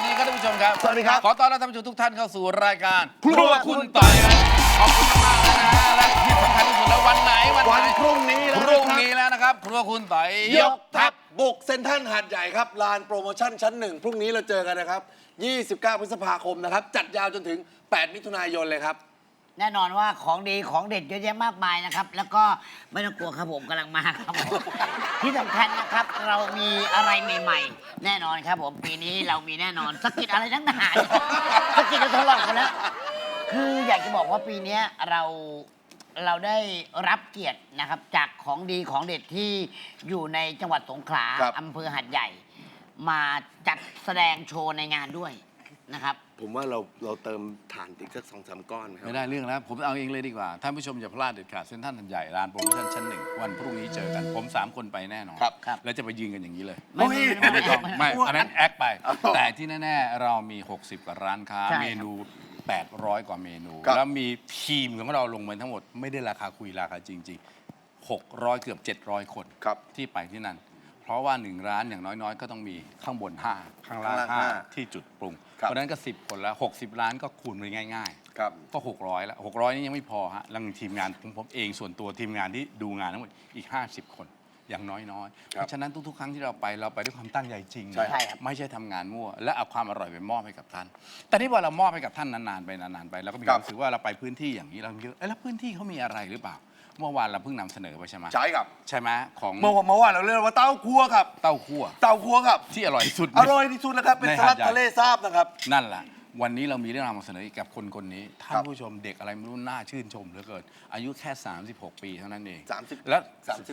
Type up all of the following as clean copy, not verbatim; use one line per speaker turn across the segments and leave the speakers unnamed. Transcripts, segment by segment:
ดีครับท่านผู้ชมครับ
สวัสดีครับ
ขอต้อนรับท่านผู้ชมทุกท่านเข้าสู่รายการครัวคุณต่อยขอบคุณมากๆเลยนะฮะและที่สำคัญที่สุดแล้ววันไหน
วันพรุ่งนี้
พรุ่งนี้แล้วนะครับครัวคุณต่อยยกทัพ
บุกเซ็นทรัลหาดใหญ่ครับลานโปรโมชั่นชั้น 1พรุ่งนี้เราเจอกันนะครับ29 พฤษภาคมนะครับจัดยาวจนถึง8 มิถุนายนเลยครับ
แน่นอนว่าของดีของเด็ดเยอะแยะมากมายนะครับแล้วก็ไม่ต้องกลัวครับผมกำลังมาครับผมที่สำคัญนะครับเรามีอะไรใหม่ๆแน่นอนครับผมปีนี้เรามีแน่นอนสกิดอะไรทั้งหนาสกิดจะทดลองกันแล้วคืออยากจะบอกว่าปีนี้เราได้รับเกียรตินะครับจากของดีของเด็ดที่อยู่ในจังหวัดสงขลาอำเภอหาดใหญ่ มาจัดแสดงโชว์ในงานด้วยนะครับ
ผมว่าเราเติมถ่านอีกสัก2-3 ก้อนครับ
ไม่ได้เรื่องแล้วผมเอาเองเลยดีกว่าท่านผู้ชมอย่าพลาดเด็ดขาดเซ็นทรัลหาดใหญ่ร้านโปรโมชั่นชั้น 1วันพรุ่งนี้เจอกันผม3 คนไปแน่นอนแล้วจะไปยืนกันอย่างนี้เลยไม่ต้องไม่อันนั้นแอคไปแต่ที่แน่ๆเรามี60 กว่าร้านค้าเมนู800 กว่าเมนูแล้วมีทีมของเราลงมาทั้งหมดไม่ได้ราคาคุยราคาจริงๆ600 เกือบ700 คนที่ไปที่นั่นเพราะว่า1ร้านอย่างน้อยๆก็ต้องมีข้างบน5ข้างล่าง5ที่จุดปรุงเพราะนั้นก็10 คนแล้ว60 ล้านก็คูณไปง่ายๆก็600แล้ว600นี่ยังไม่พอฮะแล้วทีมงานผมเองส่วนตัวทีมงานที่ดูงานทั้งหมดอีก50 คนอย่างน้อยๆเพราะฉะนั้นทุกๆครั้งที่เราไปด้วยความตั้งใจจริงไม่ใช่ทำงานมั่วและเอาความอร่อยไปมอบให้กับท่านแต่นี่พอเรามอบให้กับท่านนานๆไปแล้วก็มีความรู้สึกว่าเราไปพื้นที่อย่างนี้เราเยอะแล้วพื้นที่เขามีอะไรหรือเปล่าเมื่อวานเราเพิ่งนำเสนอไปใช่ไหม
ใช่ครับ
ใช่ไหมของ
เมื่อวานเราเรียกว่าเต้าคั่วครับ
เต้าคั่ว
ครับ
ที่อร่อยที่สุด
นะครับเป็นสลัดทะเลซาบนะครับ
นั่นแหละวันนี้เรามีเรื่องราวมาเสนอกับคนนี้ท่านผู้ชมเด็กอะไรไม่รู้น่าชื่นชมเหลือเกินอายุแค่36 ปีเท่านั้นเองแล้ว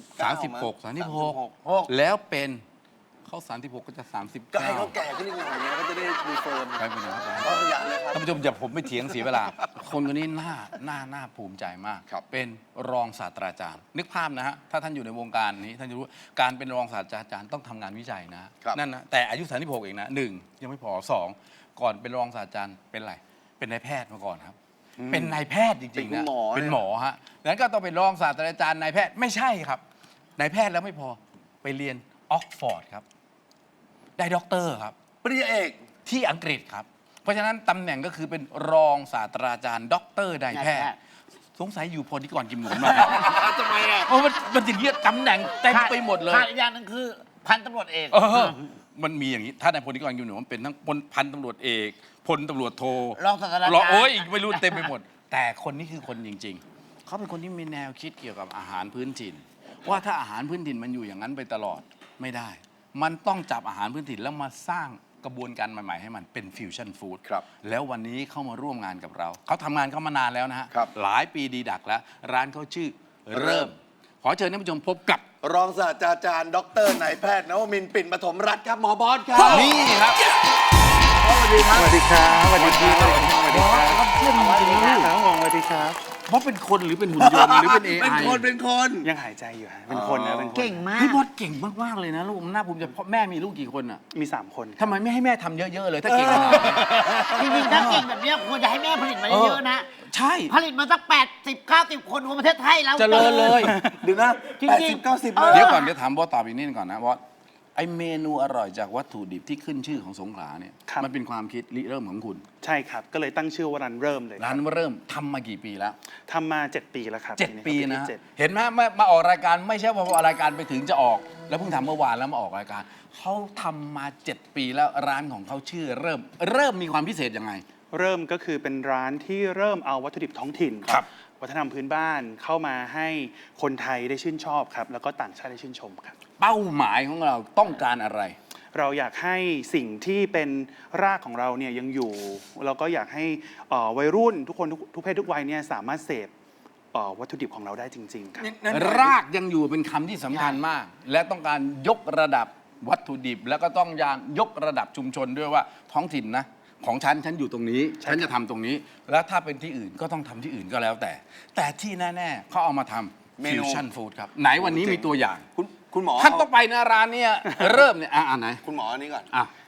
36แล้วเป็นเขา36ก็จะ39
ก็ให้เขาแก่ขึ้นอีกหน่อยก็จะได้รีเฟิร์ม
ไปเป็นครับ
อย่างเลยครับ
ท่านผู้ชมอย่าผมไม่เถียงเสียเวลาคนคนนี้น่าภูมิใจมากเป็นรองศาสตราจารย์นึกภาพนะฮะถ้าท่านอยู่ในวงการนี้ท่านจะรู้การเป็นรองศาสตราจารย์ต้องทำงานวิจัยนะนั่นนะแต่อายุ36เองนะ1ยังไม่พอ2ก่อนเป็นรองศาสตราจารย์เป็นอะไรเป็นนายแพทย์มาก่อนครับเป็นนายแพทย์จริงๆนะเป็นหมอฮะนั้นก็ต้องเป็นรองศาสตราจารย์นายแพทย์ไม่ใช่ครับนายแพทย์แล้วไม่พอไปเรียนออกฟอร์ดครับได้ด็อกเตอร์ครับ
ปริญญาเอก
ที่อังกฤษครับเพราะฉะนั้นตำแหน่งก็คือเป็นรองศาสตราจารย์ด็อกเตอร์นายแพทย์สงสัยอยู่พอดีก่อนกิมหนุนมา
ทำไมอ่ะ
เพราะมันจะเรียกตำแหน่งเต็มไปหมดเลย
อีกอย่างนึงคือพันตำรวจเอก
มันมีอย่างนี้ถ้าในพลที่ก่อนกิมหนุนมันเป็นทั้งพันตำรวจเอกพลตำรวจโท
รองศาสตราจารย์
โอ้ยไม่รู้เต็มไปหมดแต่คนนี้คือคนจริงๆเขาเป็นคนที่มีแนวคิดเกี่ยวกับอาหารพื้นถิ่นว่าถ้าอาหารพื้นถิ่นมันอยู่อย่างนั้นไปตลอดไม่ได้มันต้องจับอาหารพื้นถิ่นแล้วมาสร้างกระบวนการใหม่ๆให้มันเป็นฟิวชั่นฟู้ดแล้ววันนี้เข้ามาร่วมงานกับเราเขาทำงานเข้ามานานแล้วนะฮะหลายปีดีดักแล้วร้านเขาชื่อเริ่มขอเชิญท่านผู้ชมพบกับ
รองศาสตราจารย์ดรนายแพทย์นวมินทร์ปิ่นปฐมรัตน์ครับหมอบอสครับ
นี่ครับ
สวัสดีครับ
สวัสดีครับสวัสดีครับสวัสดีครับ
เพื่อนจริงๆนะ
ครับสวัสดีครับ
เพราะเป็นคนหรือเป็นหุ่นยนต์หรือเป็น AI
เป็นคน
ยังหายใจอยู่ฮะเป็นคนนะเป็นคน
เก่งมาก
พี่บอสเก่งมากๆเลยนะลูกน่าภูมิใจเพราะแม่มีลูกกี่คนอ่ะ
มี3 คน
ทำไมไม่ให้แม่ทำเยอะๆเลยถ้าเก่งขนาดนี้
จริงๆถ้าเก่งแบบนี้ควรจะให้แม่ผลิตมาเยอะๆนะ
ใช่
ผลิตมาสัก80-90 คนทั่วประเทศไทยแล้ว
เจริญเลย
ดูนะ80-90
เดี๋ยวก่อนเดี๋ยวถามบอสตอบอีกนิดก่อนนะบอสไอเมนูอร่อยจากวัตถุดิบที่ขึ้นชื่อของสงขลาเนี่ยมันเป็นความคิดริเริ่มของคุณ
ใช่ครับก็เลยตั้งชื่อว่าร้านเริ่มเลย
ร้านเริ่มทำมากี่ปีแล้ว
ทำมา7 ปีแล้วครับ
7 ปีนะเห็นไหมมาออกรายการไม่ใช่ว่าพอรายการไปถึงจะออกแล้วเพิ่งทำเมื่อวานแล้วมาออกรายการเขาทำมา7 ปีแล้วร้านของเขาชื่อเริ่มมีความพิเศษยังไง
เริ่มก็คือเป็นร้านที่เริ่มเอาวัตถุดิบท้องถิ่นวัฒนธรรมพื้นบ้านเข้ามาให้คนไทยได้ชื่นชอบครับแล้วก็ต่างชาติได้ชื่นชมครับ
เป้าหมายของเราต้องการอะไร
เราอยากให้สิ่งที่เป็นรากของเราเนี่ยยังอยู่เราก็อยากให้วัยรุ่นทุกคนทุกเพศทุกวัยเนี่ยสามารถเสพวัตถุดิบของเราได้จริงๆครับ
รากยังอยู่เป็นคำที่สำคัญมากและต้องการยกระดับวัตถุดิบแล้วก็ต้องยกระดับชุมชนด้วยว่าท้องถิ่นนะของฉันอยู่ตรงนี้ฉันจะทำตรงนี้แล้วถ้าเป็นที่อื่นก็ต้องทำที่อื่นก็แล้วแต่ที่แน่ๆเขาเอามาทำฟิวชั่นฟู้ดครับไหนวันนี้มีตัวอย่าง
คุณหมอ
ท่านต้องไปนะร้านเนี่ยเริ่มเนี่ยไหน
คุณหมออันนี้ก่อน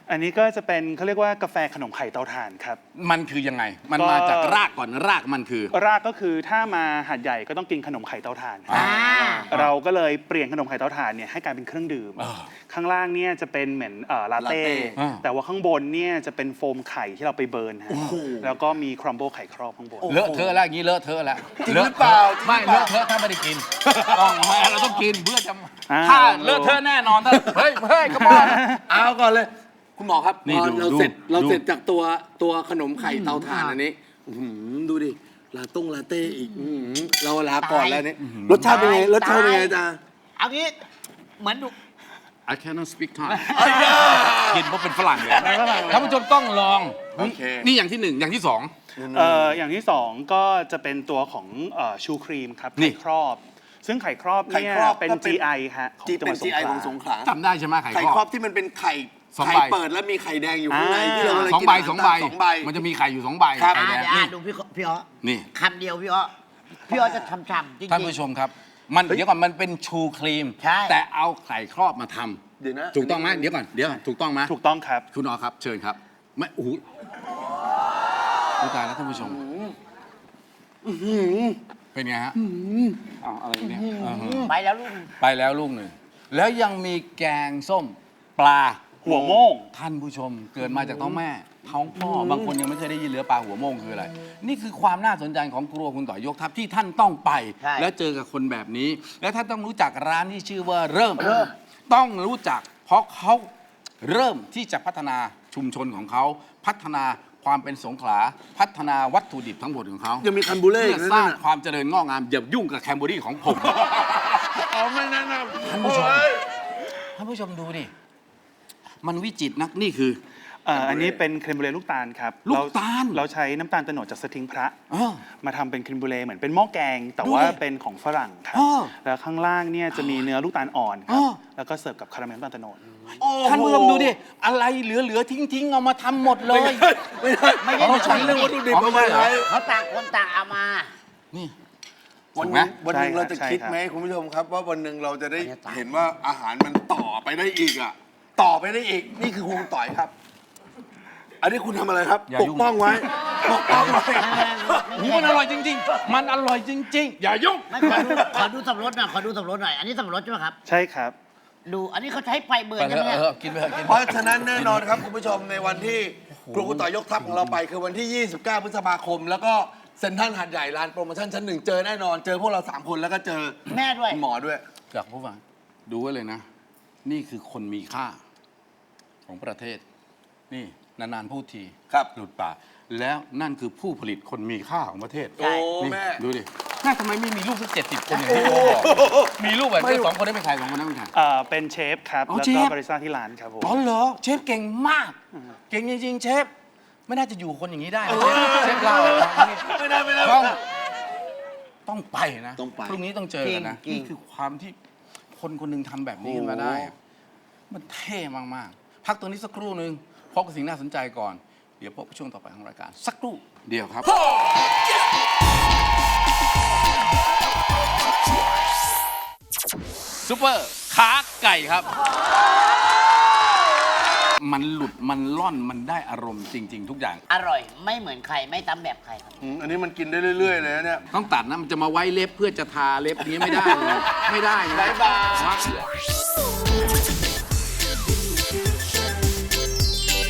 อันนี้ก็จะเป็นเขาเรียกว่ากาแฟขนมไข่เตาถ่านครับ
มันคือยังไง มัน
ก็
มาจากรากก่อนรากมันคือ
รากก็คือถ้ามาหาดใหญ่ก็ต้องกินขนมไข่เตาถ่าน
อ่า
เราก็เลยเปลี่ยนขนมไข่เตาถ่านเนี่ยให้กลายเป็นเครื่องดื่ม
อ่า
ข้างล่างเนี่ยจะเป็นเหมือนลาเต้
อ่า
แต่ว่าข้างบนเนี่ยจะเป็นโฟมไข่ที่เราไปเบิร์นฮะแล้วก็มีครัมเบิลไข่ครอบข้างบน
เลอะเทอะแล้วอย่างนี้เลอะเทอะแล้ว
จริงหรือเปล่า
ไม่
จริงหรือเปล่า
เลอะเทอะถ้าไม่ได้กินต้องไม่เราต้องกินเพื่อจะ
อ่า
ถ้าเลอะเทอะแน่นอนถ้าเฮ้ยกระป๋อง
เอาก่อนเลย คุณหมอครับ
นี่
พอ
ดู
เรา
ดู
เสร็จเรา
ดู
เสร็จจากตัวขนมไข่เตาถ่านอันนี้อื้อหือดูดิลาเต้อีกอื้อหือเราลาก่อนแล้วนี่รสชาติเป็นไงรสชาติเป็นไงจ๊ะ
เอางี้เหมือนดู
I cannot speak Thai กินเพราะเป็นฝรั่งเลยท่านผู้ชมต้องลอง
โอเค
นี่อย่างที่หนึ่งอย่างที่สอง
อย่างที่สองก็จะเป็นตัวของชูครีมครับ
นี่
ไข่ครอบ ซึ่งไข่ครอบ
ไข่
เนี่ย
ครอบ
เป็น
ก็เป็น
GI ฮะของ
จี
จังห
เป็
วัน ดสง
GI
ข
ของส
ลา
งขลา
จำได้ใช่ไหมไข่
ไข่
ค
ค
ร
ร
อ
อ
บบ
ที่มันเป็นไข่
สอง
ไข่
ใบ
เปิดแล้วมีไข่แดงอยู่ข้างในที่เรา
สองใบ
กิน
สองใบ
สองใบ
มันจะมีไข่อยู่สองใบ
ครับ
ไข่แดง
เดี๋ยว
นี่
ดูพี่อ้อ
นี่
คำเดียวพี่อ้อจะฉ่ำๆจริงๆ
ท่านผู้ชมครับ มันเดี๋ยวก่อนมันเป็นชูครีม
ใช่
แต่เอาไข่ครอบมาทำ
เดี๋ยวนะ
ถูกต้องไหมเดี๋ยวก่อนเดี๋ยวถูกต้องไหม
ถูกต้องครับ
คุณอ๋อครับ เชิญครับไม่โอ้โหตายแล้วท่านผู้ชมเป็นไงฮะอ้าวอะไรเนี่ยอื้อหือ
ไปแล้วลูก
ไปแล้วลูกหนึ่งแล้วยังมีแกงส้มปลา
หัวโม่ง
ท่านผู้ชมเกิดมาจากท้องแม่ท้องพ่อบางคนยังไม่เคยได้ยินเรือปลาหัวโม่งคืออะไร นี่คือความน่าสนใจของครัวคุณต่อยยกทัพที่ท่านต้องไป
ใช่
แล้วเจอกับคนแบบนี้ และท่านต้องรู้จักร้านที่ชื่อว่าเริ่ม ต้องรู้จัก เพราะเขาเริ่มที่จะพัฒนาชุมชนของเขาพัฒนาความเป็นสงขลาพัฒนาวัตถุดิบทั้งหมดของเขา
ยังมีคันบูเล่
เพื่
อี
อก
นะ
สร้าง
นั่นน่ะ
ความเจริญงอกงามอย่ายุ่งกับแคมเบอรี่ของผม
เอาไม่แนะนำ
ท่านผู้ชม
โอ้ย
ท่านผู้ชมดูดิมันวิจิตรนักนี่คือ
อันนี้เป็นครีมบูเล่ลูกตาลครับ
ลูกตาล
เราใช้น้ำตาลโตโนดจากสทิงพระ
อ้อ
มาทำเป็นครีมบูเล่เหมือนเป็นหม้อแกง แต่
ดู
ว่า
ดิ
เป็นของฝรั่งครับ
อ้อ
แล้วข้างล่างเนี่ยจะมีเนื้อลูกตาลอ่อนค
อ้
รับ
อ
แล้วก็เสิร์ฟกับคาราเมลน้ำตาลโตโนด
ท่านผู้ชมดูดิ อะไรเหลือๆทิ้งๆ เอามาทำหมดเลย
ไม่ได้
ไม่ได้
เราใช้เรื่องวัตถุดิบเอามาใช้
เขาต่างคนต่างเอามา
นี่
วัน
ถูก
ห
ไหม
นึงวันหนึง
ใช่ครับ
เราจะ
ใช่
คิด
ครับ
ไหมคุณผู้ชมครับ ว่าวันหนึ่งเราจะได้
ไม่ได้ตาม
เห็นว่าอาหารมันต่อไปได้อีกอ่ะต่อไปได้อีกนี่คือคุณต่อยครับ อันนี้คุณทำอะไรครับ
อย่า
ป
ยุ่
ก
ง
ป้องไว้ปกป้องไว้
หูมันอร่อยจริง ๆ มันอร่อยจริง ๆ อย่ายุ่ง
ไม่ขอดูสับปะรดหน่อยขอดูสับปะรดหน่อย อันนี้สับปะรดใช่ไหมครับ
ใช่ครับ
ดู อันนี้เขาใช้ไฟเบิร์
ไป
น
เถ
ใช่ไหม
อะ
เนี่ย
กินไปเถอะกิน
เพราะฉะนั้นแน่นอนครับคุณผู้ชมในวันที่ครูคุณต่อยยกทัพของเราไป คือวันที่ 29 พฤษภาคม แล้วก็เซ็นทรัลหาดใหญ่ลานโปรโมชั่นชั้นหนึ่งเจอแน่นอน เจอพวกเรา 3 คนแล้วก็เจอ
แม่ด้วย
คุณหมอด้วย
อยากพูดว่าดูไว้เลยนะ นี่คือคนมีค่าของประเทศ นี่นานๆพูดที
ครับ
หลุดปากแล้วนั่นคือผู้ผลิตคนมีค่าของประเทศ
ใช่
โอ้
นี่
แม่
ดูดิแม่ทำไมไม่มีลูกสัก70 คนอย่างที่ผมบอกมีลูกแบบนี้สองคนได้เป็นใครสองคนนั้นเป็นใคร
เป็นเชฟครับ
อ๋อ
แล้ว
เช
ก็
ฟ
บริษัทที่ร้านครับผม
อ๋อเหรอเชฟเก่งมาก เก่งจริงๆเชฟไม่น่าจะอยู่คนอย่างนี้ได้นะเชฟเรา
ไม่ได้ไม่ได้
ต้องไปนะ
ต้องไป
พรุ่งนี้ต้องเจอกันนะ
จริงๆ
นี่คือความที่คนคนหนึงทำแบบนี้ขึ้นมาได้อะมันเท่มากๆพักตัวนี้สักครู่หนึ่งพบกับสิ่งน่าสนใจก่อน เดี๋ยวพบกับช่วงต่อไปของรายการสักครู่เดียวครับซุปเปอร์ขาไก่ครับ มันหลุดมันล่อนมันได้อารมณ์จริง ๆ ทุกอย่าง
อร่อย ไม่เหมือนใคร ไม่ตำแบบใครครับ
อันนี้มันกินได้เรื่อยๆเลยนะเนี่ย
ต้องตัดนะ มันจะมาไว้เล็บเพื่อจะทาเล็บนี้ไม่ได้เลยไม่ได้นะ
บ๊ายบาย